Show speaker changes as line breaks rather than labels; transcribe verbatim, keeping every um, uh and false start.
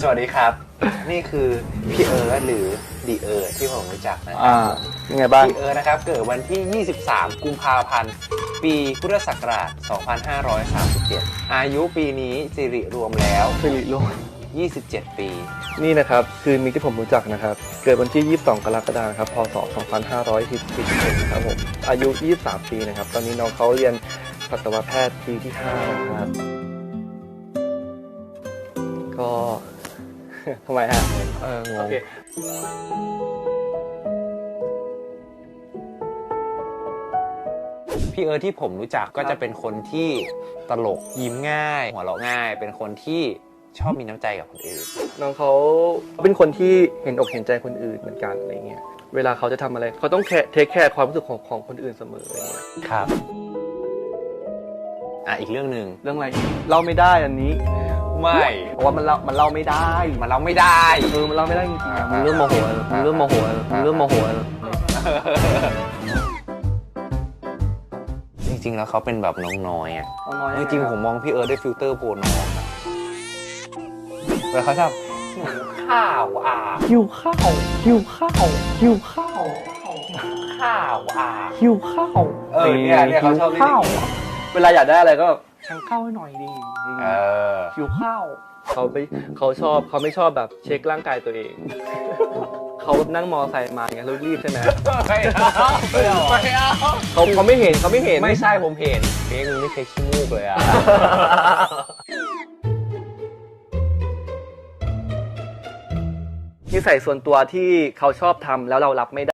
สวัสดีครับนี่คือพี่เอิร์ธหรือดีเอิร์ธที่ผมรู้จักนะครั
อ่ายังไงบ้าง
พี่เอิร์ธนะครับเกิดวันที่ยี่สิบสามกุมภาพันธ์ปีพุทธศักราชสองพันห้าร้อยสามสิบเจ็ดอายุปีนี้สิริรวมแล้ว
สิริโลก
ยี่สิบเจ็ดปี
นี่นะครับคือมิกที่ผมรู้จักนะครับเกิดวันที่ยี่สิบสองกรกฎาคมครับพศสองพันห้าร้อยสิบเอ็ดครับผมอายุยี่สิบสามปีนะครับตอนนี้น้องเขาเรียนสัตวแพทย์ปีที่ห้านะครับก็ ทำไมฮะเอองง
พี่เอิร์ธที่ผมรู้จักก็จะเป็นคนที่ตลกยิ้มง่ายหัวเราะง่ายเป็นคนที่ชอบมีน้ำใจกับคนอื่น
น้องเขาเป็นคนที่เห็นอกเห็นใจคนอื่นเหมือนกันอะไรเงี้ยเวลาเขาจะทำอะไรเขาต้องเทคแคร์ความรู้สึกของของคนอื่นเสมออะไรเงี้ย
ครับอ่ะอีกเรื่องหนึ่ง
เรื่องอะไรเล่าไม่ได้อันนี้
ไม่
เพราะว่ามันเล่ามันเล่าไม่ได้
มันเล่าไม่ได้
เออมันเล่าไม่ได้จริงๆมึงเริ่มโมโหแล้วมึงเริ่มโมโหแล้วมึงเริ่มโมโหแล้ว
จริงๆแล้วเขาเป็นแบบน้องน้อยอ่ะจริงๆผมมองพี่เอิร์ธด้วยฟิลเตอร์โพน้องอะเวลาเขาชอบข้าวอ่ะ
หิวข้าวหิวข้าวหิวข้าว
ข้าวอ่ะ
หิวข้าว
เออเนี่ยเนี่ยเขาชอบ
ข้าวเวลาอยากได้อะไรก็สั่งข้าวให้หน่อยดิ
เออ
หิวข้าวเขาไม่เขาชอบเขาไม่ชอบแบบเช็คร่างกายตัวเองเขานั่งมอไซค์มาไงแล้วรีบใช่ไหม
ไม่เอาไม่เอาไม่เอา
เขาเขาไม่เห็นเขาไม่เห็น
ไม่ใช่ผมเห็นเค้กมึงไม่เคยขี้มูกเลยอ่ะ
นิสัยส่วนตัวที่เขาชอบทำแล้วเรารับไม่ได้